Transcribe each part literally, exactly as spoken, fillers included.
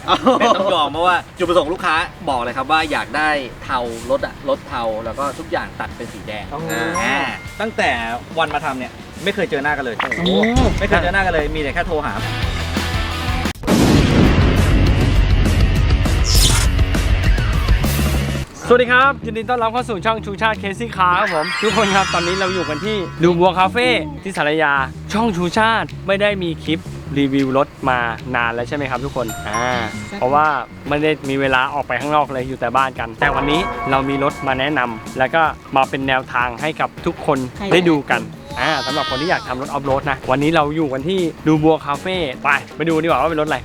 แต่ต้องยอมเพราะว่าจุดประสงค์ลูกค้าบอกเลยครับว่าอยากได้เทารถอะรถเทาแล้วก็ทุกอย่างตัดเป็นสีแดงอ่าตั้งแต่วันมาทำเนี่ยไม่เคยเจอหน้ากันเลยไม่เคยเจอหน้ากันเลยมีแต่แค่โทรหาสวัสดีครับยินดีต้อนรับเข้าสู่ช่องชูชาติเคซี่คาร์ครับผมทุกคนครับตอนนี้เราอยู่กันที่ดูบัวคาเฟ่ที่สารยาช่องชูชาติไม่ได้มีคลิปรีวิวรถมานานแล้วใช่ไหมครับทุกคนอ่าเพราะว่าไม่ได้มีเวลาออกไปข้างนอกเลยอยู่แต่บ้านกันแต่วันนี้เรามีรถมาแนะนำแล้วก็มาเป็นแนวทางให้กับทุกคนได้ดูกันอ่าสำหรับคนที่อยากทำรถออฟโรดนะวันนี้เราอยู่กันที่ดูบัวคาเฟ่ไปไปดูดีกว่าว่าเป็นรถอะไร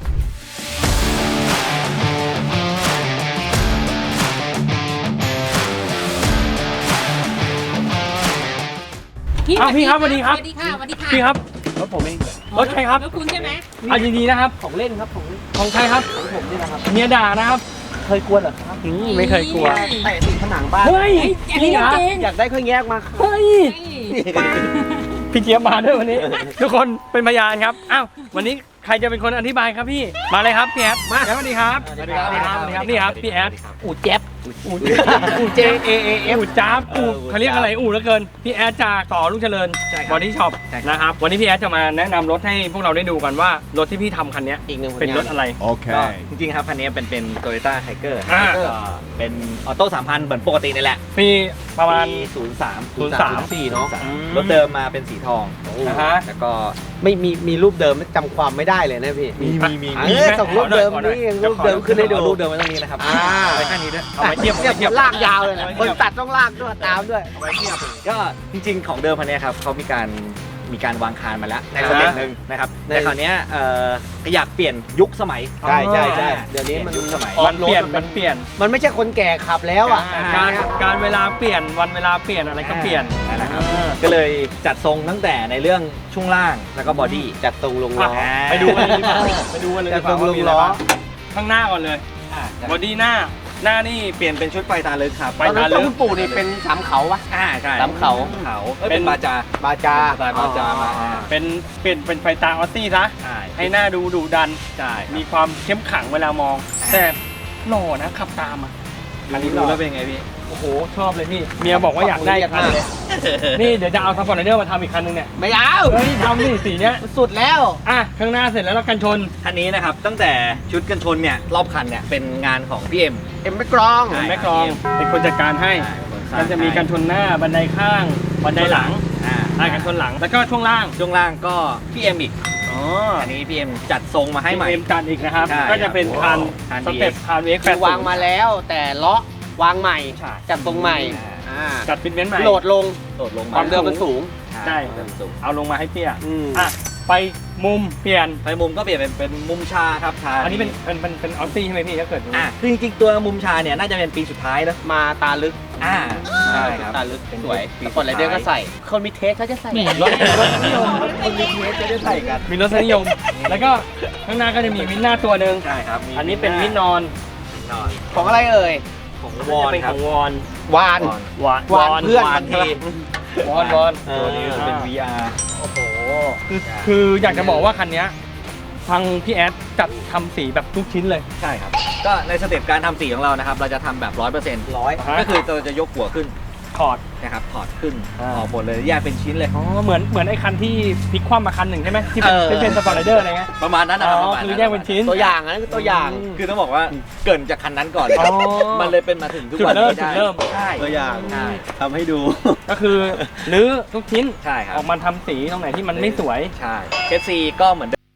อ้าวพี่ครับสวัสดีครับสวัสดีค่ะสวัสดีค่ะพี่ครับรถผมเองรถใครครับรถคุณใช่ไหมเอาดีๆนะครับของเล่นครับของเล่นของใครครับของผมนี่นะครับเมียด่านะครับเคยกลัวเหรอครับอืมไม่เคยกลัวเตะติดผนังบ้านเฮ้ยอันนี้นี่เหรอจริงอยากได้เครื่องแยกมาครับเฮ้ยพี่เจี๊ยบมาด้วยวันนี้ ทุกคนเป็นพยานครับอ้าววันนี้ใครจะเป็นคนอธิบายครับพี่มาเลยครับพี่แอดมาสวัสดีครับสวัสดีครับสวัสดีครับนี่ครับพี่แอดอูดแจ๊บอูดอูดเจเอเอเออูดจ้าบอูดเขาเรียกอะไรอูดเหลือเกินพี่แอดจากต่อลูกเจริญบอดี้ช็อปนะครับวันนี้พี่แอดจะมาแนะนำรถให้พวกเราได้ดูกันว่ารถที่พี่ทำคันนี้อีกหนึ่งผลเป็นงานรถอะไรโอเคจริงๆครับคันนี้เป็นเป็น Toyota Tiger อ่าก็เป็นออโต้สามพันเหมือนปกตินี่แหละปีประมาณศูนย์สามศูนย์สามสี่เนาะรถเดิมมาเป็นสีทองอ่าฮะแล้วก็ไม่มีมีรูปเดิมจำความไม่ได้เลยนะพี่มีมีมีเออส่งรูปเดิมนี่รูปเดิมขึ้นให้ดูรูปเดิมไว้ตรงนี้นะครับอ่าไว้ข้างนี้ด้วยเอาไว้เทียบเนี่ยเทียบลากยาวเลยนะคนตัดต้องลากด้วยตามด้วยเอาไว้เทียบก็จริงๆของเดิมคันนี้ครับเขามีการมีการวางคานมาแล้วในสเต็ปหนึ่งนะครับแต่คราวนี้เอ่ออยากเปลี่ยนยุคสมัยใช่ใช่ใช่เดี๋ยวนี้มันยุคสมัยมันเปลี่ยนมันเปลี่ยนมันไม่ใช่คนแก่ขับแล้วอ่ะการการเวลาเปลี่ยนวันเวลาเปลี่ยนอะไรก็เปลี่ยนนั่นแหละครับก็เลยจัดทรงตั้งแต่ในเรื่องช่วงล่างแล้วก็บอดี้จัดตรงลงล้ออ่ะไปดูกันเลยดีกว่าไปดูกันเลยดีกว่าว่ามีอะไรบ้างข้างหน้าก่อนเลยบอดี้หน้าหน้านี่เปลี่ยนเป็นชุดไฟตาลึกครับไฟตอนนั้นต้นปู่นี่เป็นสามเขาปะอ่าใช่สามเขาเขาเป็นบาจาบาจาสไตล์บาจามาเป็นเปลี่ยนเป็นไฟตาออสซี่ซะใช่ให้หน้าดูดุดันใช่มีความเข้มขังเวลามอง แต่หล่อนะขับตามอ่ะอันนี้ดูแล้วเป็นไงพี่โอ้โหชอบเลยพี่เมียบอกว่าอยากได้คันเลยนี่เดี๋ยวจะเอาซัพพอร์ตเนอร์มาทำอีกคันนึงเนี่ยไม่เอาเฮ้ยทำนี่สีเนี้ยสุดแล้วอ่ะข้างหน้าเสร็จแล้วเรากันชนคันนี้นะครับตั้งแต่ชุดกันชนเนี่ยรอบคันเนี่ยเป็นงานของพี่เอ็มเอ็มไม่กรองใช่แม่กรองเป็นคนจัดการให้มันจะมีกันชนหน้าบันไดข้างบันไดหลังอ่าอ่ะกันชนหลังแล้วก็ช่วงล่างช่วงล่างก็พี่เอ็มอีกอ๋ออันนี้พี่เอ็มจัดทรงมาให้ใหม่เอ็มจัดอีกนะครับใช่ก็จะเป็นคันคันสเต็ปคันเอ็กคือวางมาแล้วแต่เลาะวางใหม่ใช่จัดตรงใหม่อ่าอ่าจัดฟิตเมนต์ใหม่โหลดลงโดดลงความเดิมมันสูงใช่เดิมสูงเอาลงมาให้เตี้ยอืมอ่ะไปมุมเปลี่ยนไปมุมก็เปลี่ยนเป็นเป็นมุมชาครับชาอันนี้เป็นเป็นเป็นเป็นออสซี่ใช่ไหมพี่ถ้าเกิดอ่าคือจริงๆตัวมุมชาเนี่ยน่าจะเป็นปีสุดท้ายแล้วมาตาลึกอ่าใช่ครับตาลึกเป็นสวยปีแต่คนไรเดอร์ก็ใส่ คนมีเทสเขาจะใส่รถรถนิยมคนมีเทสจะได้ใส่กันมีรถนิยม แล้วก็ข้างหน้าก็จะมีมิดหน้าตัวหนึ่งใช่ครับมีอันนี้เป็นมิดนอนนอนของอะไรเอ่ยของววออน นคขรับองวอนวานวานวานเพื่อนวานทีวอนวอนตัวนี้เป็น วี อาร์โอ้โหคือคืออยากจะบอกว่าคันเนี้ยทางพี่แอดจัดทำสีแบบทุกชิ้นเลยใช่ครับ ก็ในสเต็ปการทำสีของเรานะครับ เราจะทำแบบ ร้อยเปอร์เซ็นต์ร้อยก็คือเราจะยกหัวขึ้นถอดนะครับ ถอดขึ้นอ่าออกหมดเลยแยกเป็นชิ้นเลยอ๋อเหมือนเหมือนไอ้คันที่พลิกคว่ำมาคันหนึ่งใช่ไหมที่เป็นเออที่เป็นสปอร์ตไรเดอร์อะไรเงี้ยประมาณนั้นนะอ๋ครับอประมาณคือนั้นแยกเป็นชิ้นตัวอย่างอันนั้นคือตัวอย่างคือต้องบอกว่าเกรินจากคันนั้นก่อนเลยอ๋อมันเลยเป็นมาถึงทุกจุดวันเริ่มนี้ได้จุดเริ่มใช่ตัวอย่างใช่ทำให้ดูก็คือรื้อทุกชิ้นใช่ครับออกมาทำสีตรงไหนที่มันไม่สวยใช่เคสซีก็เหมือนเดิม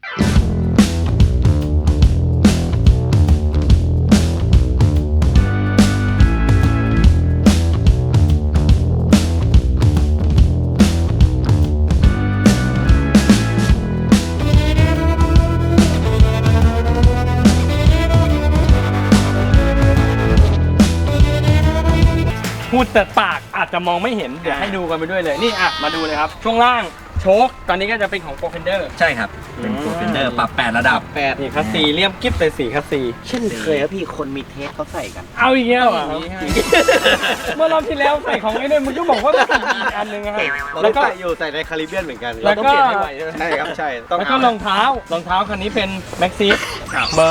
พูดแต่ปากอาจจะมองไม่เห็น เดี๋ยวให้ดูกันไปด้วยเลย นี่อ่ะ มาดูเลยครับ ช่วงล่างโชคตอนนี้ก็จะเป็นของโปรเฟนเดอร์ใช่ครับ เป็นตัวเฟนเดอร์ปรับแปดระดับแปดนี่คัสซีเรียบกิ๊บเลยสีคัสซีเช่นเคยครับพี่คนมีเทสเขาใส่กันเอาอีกแล้วอ่ะเมื่อรอบที่แล้วใส่ของไอ้เนี่ยมึงก็บอกว่าเป็นอีกอันหนึงอะครับเราแล้วก็ใส่อยู่ใส่ในคาริเบียนเหมือนกันแล้วก็เราต้องเปลี่ยนให้ไวใช่ไหมใช่ครับใช่ต้องแล้วก็รองเท้ารองเท้าคันนี้เป็นแม็กซีเบอร์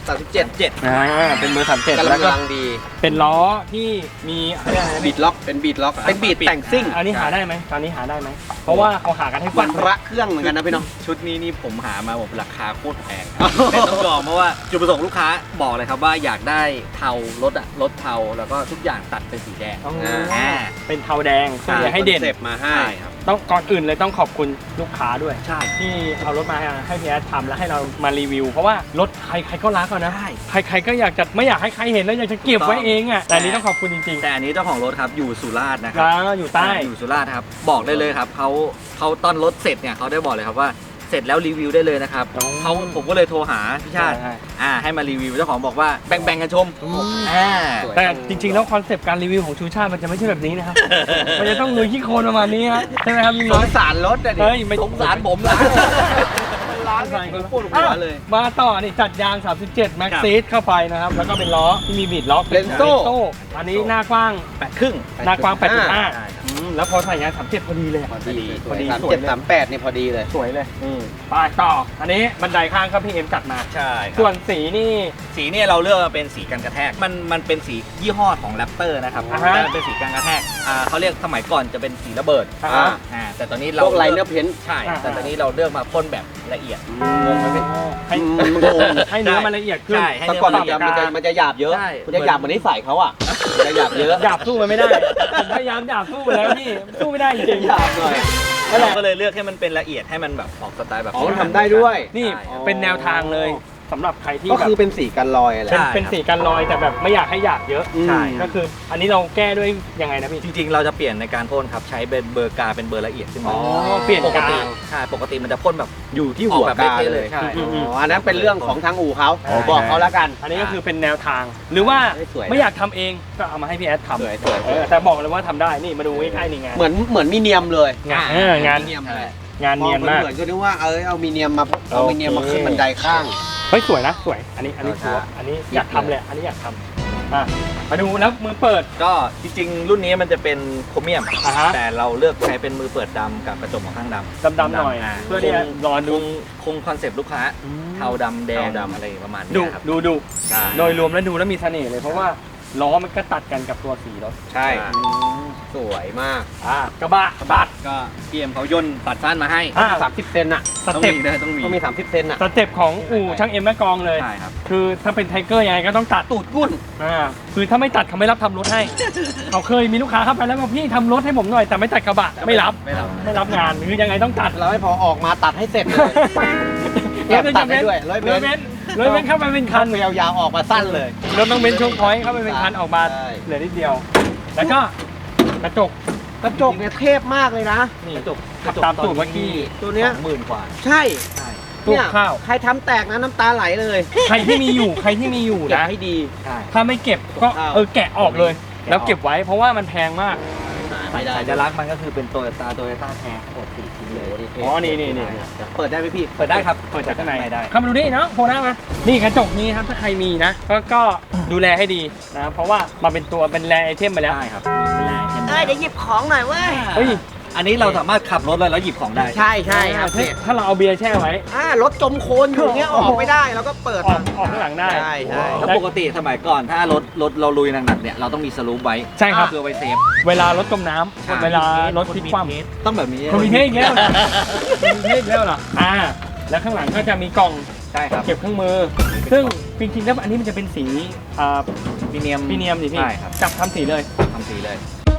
สามสิบเจ็ดเจ็ดอ่าเป็นเบอร์สามเจ็ดกำแล้วก็ลังดีเป็นล้อที่มีอะไรนะบีดล็อกเป็นบีดล็อกเป็นบีดแต่งซิ่งอันนี้หาได้ไหมตอนนี้หาได้ไหมเพราะว่าเขาหากันให้ฟัวัน นพระเครื่องเหมือนกันนะพี่น้องชุดนี้นี่ผมหามาผมราคาโคตรแพงแต่ต้องยอมเพราะว่าจุดประสงค์ลูกค้าบอกเลยครับว่าอยากได้เทารถอะรถเทาแล้วก็ทุกอย่างตัดเป็นสีแดงอ๋ออ่าเป็นเทาแดงเพื่อจะให้เด่นคอนเซปต์มาให้ใช่ครับต้องก่อนอื่นเลยต้องขอบคุณลูกค้าด้วยใช่ที่เอารถมาให้พี่แอดทำแล้วให้เรามารีวิว เพราะว่ารถใครใครก็รักอะนะใช่ใครใครก็อยากจะไม่อยากให้ใครเห็นแล้วอยากจะเก็บไว้เองอะแต่อันนี้ต้องขอบคุณจริงๆแต่อันนี้เจ้าของรถครับอยู่สุราษฎร์นะครัแล้วอยู่ใต้อยู่สุราษฎร์ครับบอกได้เลยครับเขาเขาตอนรถเสร็จเนี่ยเขาได้บอกเลยครับว่าเสร็จแล้วรีวิวได้เลยนะครับอ๋อเขาผมก็เลยโทรหาพี่ชาติใช่อ่าให้มารีวิวเจ้าของบอกว่าแบ่งๆกันชมอืมอ่าสวยแต่จริงๆแล้วคอนเซปต์การรีวิวของชูชาติมันจะไม่ใช่แบบนี้นะครับ มันจะต้องลุยขี้โคลนประมาณนี้ฮะใช่ไหมครับพี่สน้องงสารรถอะดิเฮ้ยไม่สงสารผมนะร้านนี่ปวดหัวเลยมาต่อนี่จัดยาง สามสิบเจ็ด แม็กซีดเข้าไปนะครับ แล้วก็เป็นล้อที่มีบีดล็อกเลนโซ่อันนี้หน้ากว้างแปดครึ่งหน้ากว้าง แปดจุดห้าใช่ครับอืมแล้วพอใส่ยางสามสิบเจ็ดพอดีเลยอะพอดีพอดีสามสวยเจ็ดเลยสามแปดนี่พอดีเลยสวยเลยอืมไปต่อ อันนี้บันไดข้างครับพี่เอ็มจัดมาใช่ครับส่วนสีนี่สีเนี่ยเราเลือกมาเป็นสีกันกระแทก มันมันเป็นสียี่ห้อของแรปเตอร์นะครับอ่าฮะแต่มันเป็นสีกันกระแทกอ่าเขาเรียกสมัยก่อนจะเป็นสีระเบิดอ่าอ่าอ่าแต่ตอนนี้เราพวกไลเนอร์เพนท์ใช่อ่าแต่ตอนนี้เราเลือกมาพ่นแบบละเอียดงงไหมพี่ให้อืมงงให้เนื้อมันละเอียดขึ้นใช่ให้แต่เนื้อก่อนมันมันละเอียดจะมันจะมันจะหยาบเยอะใช่มันจะหยาบเหมือนนิสัยเขาอ่ะมันจะหยาบเยอะหยาบสู้มันไม่ได้ ผมพยายามหยาบสู้ไปแล้วพี่สู้ไม่ได้จริงหยาบหน่อยนั่นแหเราละก็เลยเลือกให้มันเป็นละเอียดให้มันแบบออกสไตล์แบบอ๋อทำได้ด้วยนี่ใช่เป็นแนวทางเลยสำหรับใครที่ก็แบบคือเป็นสีกันรอยอะไรเป็นใช่เป็นสีกันรอยแต่แบบไม่อยากให้หยาบเยอะอืมใช่ก็คืออันนี้เราแก้ด้วยยังไงนะพี่จริงๆ เราจะเปลี่ยนในการพ่นครับใช้เป็นเบอร์กาเป็นเบอร์ละเอียดขึ้นมาอ๋อเปลี่ยนปกกาติใช่ปกติมันจะพ่นแบบอยู่ที่หัวออกแบบกาเท่ๆเลยใช่อืมอ๋ออันนั้นเป็นเรื่องของทางอู่เขาใช่บอกเขาแล้วกันอันนี้ก็คือเป็นแนวทาง หรือว่าสวยไม่อยากทำเองก็เอามาให้พี่แอดทำสวยสวยเออแต่บอกเลยว่าทำได้นี่มาดูใกล้ๆนี่งานเหมือนเหมือนมีเนียมเลยงานเอองานมีเนียมเลยงานเนียนมากเหมือนก็นึกว่าเอ้ยเอามีเนียมมาเอาโอเคมีเนียมมาขึ้นบันไดข้างเฮ้ยสวยนะสวยอันนี้อันนี้เอาชัวร์ท่าอันนี้อยากทำเลยอันนี้อยากทำอ่ะมาดูแล้วมือเปิดก็จริงๆ รุ่นนี้มันจะเป็นโครเมียมอ่าฮะแต่เราเลือกใช้เป็นมือเปิดดำกับกระจกมองข้างดำดำๆหน่อยาเพื่อที่จะรอดูคงคงคอนเซปต์ลูกค้าเทาดำแดงดำอะไรประมาณดูนี้ครับดูดูใช่โดยรวมแล้วดูแล้วมีเสน่ห์เลยเพราะว่าล้อมันก็ตัดกันกับตัวสีรถใช่สวยมากอ่ากระบะกระบะก็พีเอ็มเขาย่นตัดสั้นมาให้อ่าสามสิบเซนอะสต้องเต็ปมีนะต้องมีต้องมีสามสิบเซนอะสเต็ปของอู่ช่างเอ็มแม่กองเลยใช่ครับคือถ้าเป็นไทเกอร์ยังไงก็ต้องตัดตูดกุ้นอ่าคือถ้าไม่ตัดเขาไม่รับทำรถให้ เขาเคยมีลูกค้าเข้าไปแล้วบอกพี่ทำรถให้ผมหน่อยแต่ไม่ตัดกระบะไม่รับไม่รับไม่รับงานคือยังไงต้องตัดเราให้พอออกมาตัดให้เสร็จเลยแอบตัดให้ด้วยร้อยร้อยเมเมตตรรร้อยเมตรเข้าไปเป็นคัคันนยาวๆออกมาสั้นเลยรถต้องเบนช่วงพอยต์เข้าไปเป็นคันออกมาใช่เหลือนิดเดียว แล้วก็กระจกกระจกเนี่ยเทพมากเลยนะนี่กระจกขับตามสูตรเมื่อกี้ตัวเนี้ยหมื่นกว่าใช่ใช่ตู้เนี่ยข้าวใครทำแตกนะน้ำตาไหลเลยใครที่มีอยู่ใครที่มีอยู่เก็บนะให้ดีใช่ถ้าไม่เก็บก็อ้าวเออแกะออกเลย แล้วเก็บไว้เพราะว่ามันแพงมากไม่ได้สัญลักษณ์มันก็คือเป็นโตโยต้าโตโยต้าแทนทั้งหมดสี่ชิ้นเลยอ๋อนี่นี่นี่เปิดได้ไหมพี่เปิดได้ครับเปิดจากข้างในได้เข้ามาดูนี่เนาะโผล่หน้ามานี่กระจกนี้ครับถ้าใครมีนะ ก็ก็ดูแลให้ดีนะเพราะว่ามาเป็นตัวเป็นแรไอเทมไปแล้วได้ครับเอ้ยเดี๋ยวหยิบของหน่อยเว้ยเฮ้ยอันนี้เราสามารถขับรถเลยแล้วหยิบของได้ใช่ใช่ครับถ้าถ้าเราเอาเบียร์แช่ไว้อ่ารถจมโคลนอยู่เงี้ยออกไม่ได้แล้วก็เปิดออกออกข้างหลังได้ใช่ใช่แล้วปกติสมัยก่อนถ้ารถรถเราลุยหนักๆเนี่ยเราต้องมีสลูปไว้ใช่ครับเพื่อไว้เซฟเวลารถจมน้ำเวลารถพลิกคว่ำต้องแบบนี้คนมีเทคอีกแล้วเหรอคนมีเทคอีกแล้วเหรออ่าแล้วข้างหลังก็จะมีกล่องใช่ครับเก็บเครื่องมือ ซึ่งจริงๆแล้วอันนี้มันจะเป็นสีอ่าพีเนียมพรีเนียมสิพี่ใช่ครับจับทำสีเลยทำสีเลย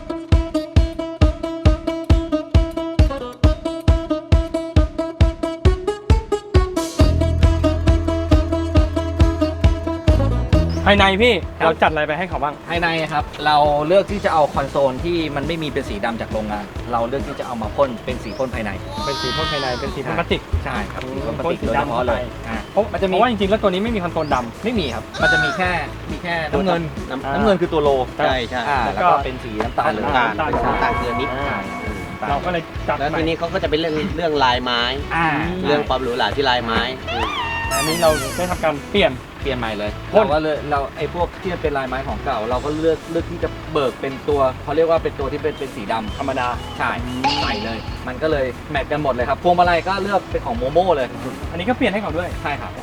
ภายในพี่ครับเราจัดอะไรไปให้เขาบ้างภายในครับเราเลือกที่จะเอาคอนโซลที่มันไม่มีเป็นสีดำจากโรงงาน เราเลือกที่จะเอามาพ่นเป็นสีพ่นภายในเป็นสีพ่นภายในเป็นสีพ่นพลาสติกใช่ครับอืมสีพ่นพลาสติกพ่นสีโดยเฉดำพาะเลยเข้าไปอ่าเพราะมันจะมีเพราะว่าจริงๆแล้วตัวนี้ไม่มีคอนโซลดไม่มีครับ มันจะมีแค่มีแค่น้ำเงินน้ำอ่าน้ำเงินคือตัวโลใช่ใช่อ่าแล้แล้ว วก็ก็เป็นสีน้ำตาลเลยน้ำตาลน้ำตาลน้ำตาลเกลือนิดำอ่าอ่าเราก็เลยจัดแล้วใหม่ทีนี้เขาก็จะเป็นเรื่องเรื่องลายไม้อ่าเรื่องความหรูหราที่ลายไม้อันนี้เราได้ทำการเปลี่ยนเปลี่ยนใหม่เลยพ่นเราก็เลยเราไอ้พวกที่มันเป็นลายไม้ของเก่า เราก็เลือกเลือกที่จะเบิกเป็นตัวเขาเรียกว่าเป็นตัวที่เป็นเป็นสีดำธรรมดาใช่ใส่เลย มันก็เลยแมทกันหมดเลยครับพวงมาลัยก็เลือกเป็นของโมโม่เลยอันนี้ก็เปลี่ยนให้เขาด้วยใช่ครับโอ้โหพวงมา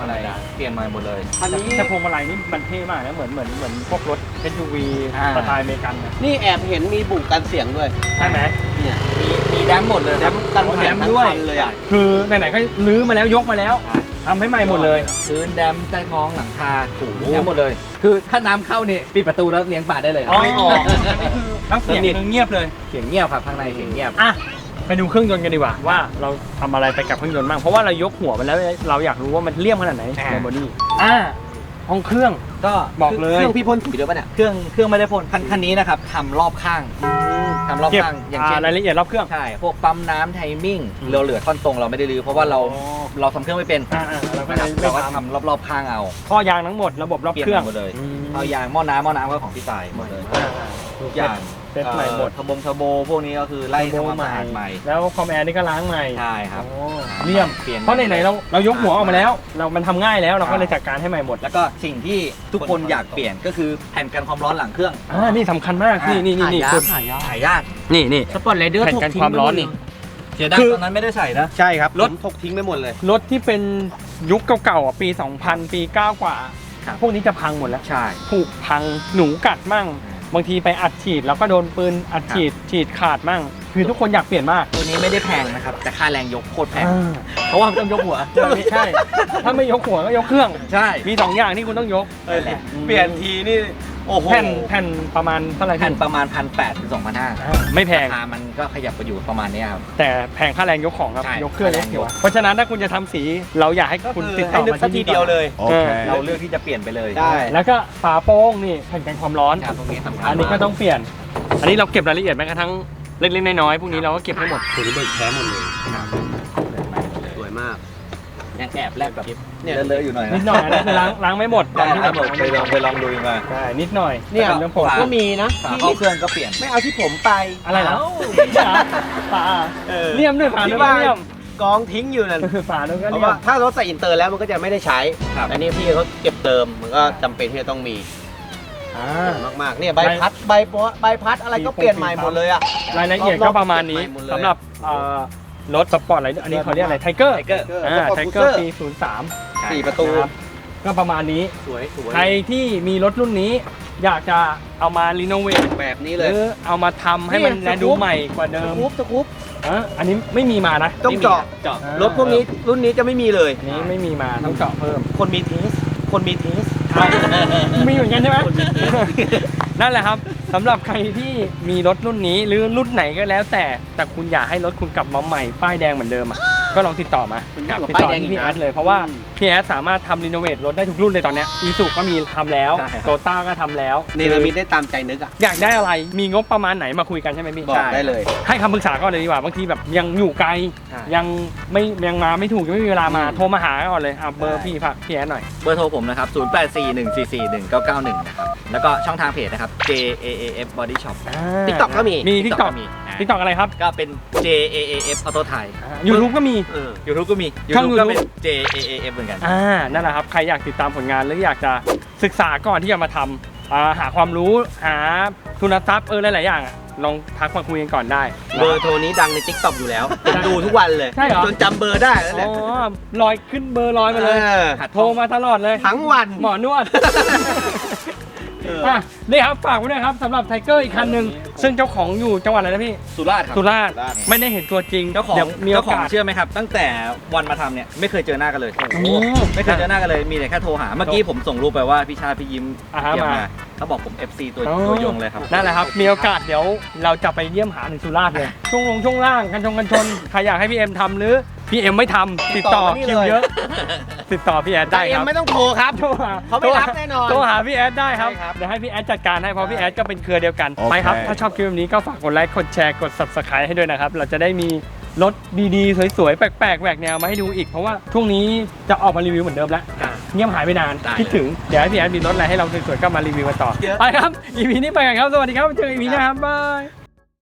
มาลัยเปลี่ยนใหม่หมดเลยอันนี้แต่พวงมาลัยนี่มันเท่มากนะเหมือนเหมือนเหมือนพวกรถ เอส ยู วีอ่าสไตล์อเมริกันนะนี่แอบเห็นมีบุกกันเสียงด้วยใช่ไหมเนี่ยมีมีแดมหมดเลยแดมกันอ๋อแถแดมมทั้งด้วยคันเลยอ่ะคือไหนๆก็ลื้อมาแล้วยกมาแล้วทำให้ใหม่หมดเลยพื้นแดมใต้ท้องหลังคาถูแดมหมดเลย คือถ้าน้ำเข้าเนี่ยปิดประตูแล้วเลี้ยงปลาได้เลยอ๋อไม่ออกแล้วเสียงเงียบเลยเสียงเงียบครับข้างในเสียงเงียบอ่ะไปดูเครื่องยนต์กันดีกว่าว่าเราทำอะไรไปกับเครื่องยนต์บ้างเพราะว่าเรายกหัวมันแล้วเราอยากรู้ว่ามันเลี่ยมขนาดไหนอ่าในบอดี้อ่าห้องเครื่องก็บอกเลยเครื่องพี่พ่นสีด้วยป่ะเนี่ยเครื่องเครื่องไม่ได้พ่นคันคันนี้นะครับทำรอบข้างทำรอบเก็บข้างอย่างอ่าเช่นรายละเอียดรอบเครื่องใช่พวกปั๊มน้ำไทมิ่งอืมเราเหลือท่อนตรงเราไม่ได้รื้อเพราะว่าเราเราทำเครื่องไม่เป็นอ่าอ่าเราก็นะครับไม่เราก็ททำรอบๆข้างเอาำข้อยางทั้งหมดระบบรอบเปลี่ยนเครื่องหมดเลยอืมเอายางหม้อน้ำหม้อน้ำก็ของพี่ตายหมดเลยอ่าอ่าทุกอย่างเซ็ตใหม่หมดเอ่อทบงทโบพวกนี้ก็คือไล่ทำความสะอาดใหม่แล้วคอมแอร์นี่ก็ล้างใหม่ใช่ครับโอ้เลี่ยมเปลี่ยนเพราะไหนๆเราเรายกหัวออกมาแล้ว เรามันทำง่ายแล้วเราก็เลยจัดการให้ใหม่หมดแล้วก็สิ่งที่ทุกคนอยากเปลี่ยนก็คือแผ่นกันความร้อนหลังเครื่องอ่านี่สำคัญมากนี่นี่นี่นี่หายากคุณหายากหายากนี่นี่สปอร์ตไรเดอร์แผ่นกันความร้อนนี่เสียดายคือตอนนั้นไม่ได้ใส่นะใช่ครับรถผมถกทิ้งไปหมดเลยรถที่เป็นยุคเก่าๆอ่ะปี สองพัน ปีเก้ากว่าครับพวกนี้จะพังหมดแล้วใช่ผุพังหนูกัดมั่ง บางทีไปอัดฉีดแล้วก็โดนปืนอัดฉีดฉีดขาดมั่ง คือทุกคนอยากเปลี่ยนมากตัวนี้ไม่ได้แพงนะครับแต่ค่าแรงยกโคตรแพงอ่าเพราะว่ามันต้องยกหัวใช่ ถ้าไม่ยกหัวก็ยกเครื่องใช่มีสองอย่างที่คุณต้องยกเออเปลี่ยนทีนี่โอ้โหแผ่นแผ่นประมาณเท่าไหร่แผ่นพี่ประมาณพันแปดถึงสองพันห้าอ่าไม่แพงราคามันก็ขยับไปอยู่ประมาณเนี้ยครับแต่แพงค่าแรงยกของครับใช่ยกเครื่องค่าแรงยกหัวยกเพราะฉะนั้นถ้าคุณจะทำสีเราอยากให้คุณติดต่อมาที่นี่ก่อนโอเคเราเลือกที่จะเปลี่ยนไปเลยได้แล้วก็ฝาโป้งนี่แผ่นกันความร้อนครับตรงนี้สำคัญอันนี้ก็ต้องเปลี่ยน อันนี้เราเก็บรายละเอียดแม้กระทั่งเล็กๆน้อยๆพวกนี้เราก็เก็บให้หมดตัวนี้เบิกแท้หมดเลยสวยมากยังแอบแลบแบบเนี่ยเลอะๆอยู่หน่อยนิดหน่อยอันนั้นคือล้างล้างไม่หมดตอนที่คแบรับบ ผมไปลองไปลองดูมาใช่นิดหน่อยเนี่ยเป็นเรื่องผลก็มีนะฝาที่เข้าเครื่องก็เปลี่ยนไม่เอาที่ผมไปอะไรนะเาฝาเออเลี่ยมด้วยฝาที่ด้วยบ้านเลี่ยมกองทิ้งอยู่นั่นฝาด้วยก็เพราะเลี่ยว่าม ถ้ารถใส่อินเตอร์แล้วมันก็จะไม่ได้ใช้ครับอันนี้พี่เขาเก็บเติมมันก็จำเป็นที่จะต้องมีอ่ามากๆเนี่ยใบพัดใบโป๊ะใบพัดอะไรก็เปลี่ยนใหม่หมดเลยอ่ะรายละเอียดก็ประมาณนี้รอบๆเก็บใหม่หมดเลยสำหรับเอ่อรถสปอร์ตอะไรอันนี้เขาเรียกอะไรไทเกอร์ไทเกอร์อ่า Sport ไทเกอร์ Cruiser ปีศูนย์สามสี่ประตูนะครับก็ประมาณนี้สวยสวยใครที่มีรถรุ่นนี้ อยากจะเอามารีโนเวทแบบนี้หเลยรือเอามาทำให้มันนี่แลดูสกู๊ปใหม่กว่าสเดิมกู๊ปสกู๊ปอ่ะอันนี้ไม่มีมานะต้องเจาะเจาะอ่ารถพวกนี้รุ่นนี้จะไม่มีเลยอันนี้ไม่มีมาต้องเจาะเพิ่มคนมีเทส คนมีเทสมีเหมือนกันใช่ไหม นั่นแหละครับสำหรับใครที่มีรถรุ่นนี้หรือรุ่นไหนก็แล้วแต่แต่คุณอยากให้รถคุณกลับมาใหม่ป้ายแดงเหมือนเดิมอ่ะก็ลองติดต่อมาคุณอยากติดป้ายต่อแดงที่อีกพี่นะแอดเลยเพราะว่าพี่แอดสามารถทำรีโนเวทรถได้ทุกรุ่นเลยตอนเนี้ยอีซูก็มีทำแล้วใช่ครับโตต้าก็ทำแล้วเนรมิตได้ตามใจนึกอ่ะอยากได้อะไรมีงบประมาณไหนมาคุยกันใช่ไหมพี่บอกได้เลยให้คำปรึกษาก่อนเลยดีกว่าบางทีแบบยังอยู่ไกลใช่ยังไม่ยังมาไม่ถูกยังไม่มีเวลามาอืมโทรมาหาก่อนเลยอ่ะเบอร์ได้พี่ฝากพี่แอดหน่อยเบอร์โทรผมนะครับ ศูนย์ แปด สี่ หนึ่ง สี่ สี่ หนึ่ง เก้า เก้า หนึ่ง นะครับ แล้วก็ช่องทางเพจนะครับ J A A F Body Shop TikTok ก็มีมีทิกตอกมีทิกตอกอะไรครับก็เป็น J A A F Auto Thai ยูทูบก็มีเออ YouTube ก็มีช่อง YouTube ก็เป็น YouTube J A A F เหมือนกันอ่านั่นแหละครับใครอยากติดตามผลงานหรืออยากจะศึกษาก่อนที่จะมาทำอ่าหาความรู้หาทุนทรัพย์เออหลายๆอย่างอะลองทักมาคุยกันก่อนได้เบอร์โทรนี้ดังใน ทิกตอก อยู่แล้วผมดูทุกวันเลยใช่เหรอจนจำเบอร์ได้แล้วอ๋เนี่ยอลอยขึ้นเบอร์ลอยมาเลยออโทรมาตลอดเลยทั้งวันหมอนวดเอออ่ะนี่ครับฝากไว้ด้วยครับสำหรับไทเกอร์อีกคันหนึ่งซึ่งเจ้าของอยู่จังหวัดอะไรนะพี่สุราษฎร์ครับสุราษฎร์สุราษฎร์ไม่ได้เห็นตัวจริงเจ้าของดี๋ยวมีโอเจ้าของกาสเชื่อไหมครับ ตั้งแต่วันมาทำเนี่ยไม่เคยเจอหน้ากันเลยโอ้ไม่เคยเจอหน้ากันเลย มีแต่แค่โทรหา เมื่อกี้ผมส่งรูปไปว่าพี่ชาติพี่ยิ้มอ่าฮะเยี่ยมมามาเขาบอกผม เอฟ ซี ตัวอ๋อตัวยงเลยครับนั่นแหละครับ มีโอกาสเดี๋ยวเราจะไปเยี่ยมหาถึงสุราษฎร์เลย ช่วงลงช่วงล่างกันชงกันชน ใครอยากให้พี่เอ็มทำหรือพี่เอ็มไม่ทำติดต่อติดต่อมานี่คิวเลยเยอะ ติดต่อพี่แอดแต่ได้เอ็คมรับไม่ต้องโทรครับโทรหาเขาไม่รับแน่นอนโทรหาพี่แอดได้ครับใช่ครับเดี๋ยวให้พี่แอดจัดการให้เพราะพี่แอดก็เป็นเครือเดียวกันโอเคไปครับ ถ้าชอบคลิปแบบนี้ก็ฝากกดไลค์ กดแชร์ กด subscribe ให้ด้วยนะครับ เราจะได้มีรถดีๆ สวยๆ แปลกๆแหวกแนวมาให้ดูอีก เพราะว่าช่วงนี้จะออกมารีวิวเหมือนเดิมแล้ว เงียบหายไปนานได้คิดถึง เดี๋ยวให้พี่แอดมีรถอะไรให้เราสวยๆ ก็มารีวิวกันต่อเยอะไปครับ อี พี นี้ไปกันครับ สวัสดีครับ เจอ อี พี หน้าครับ บาย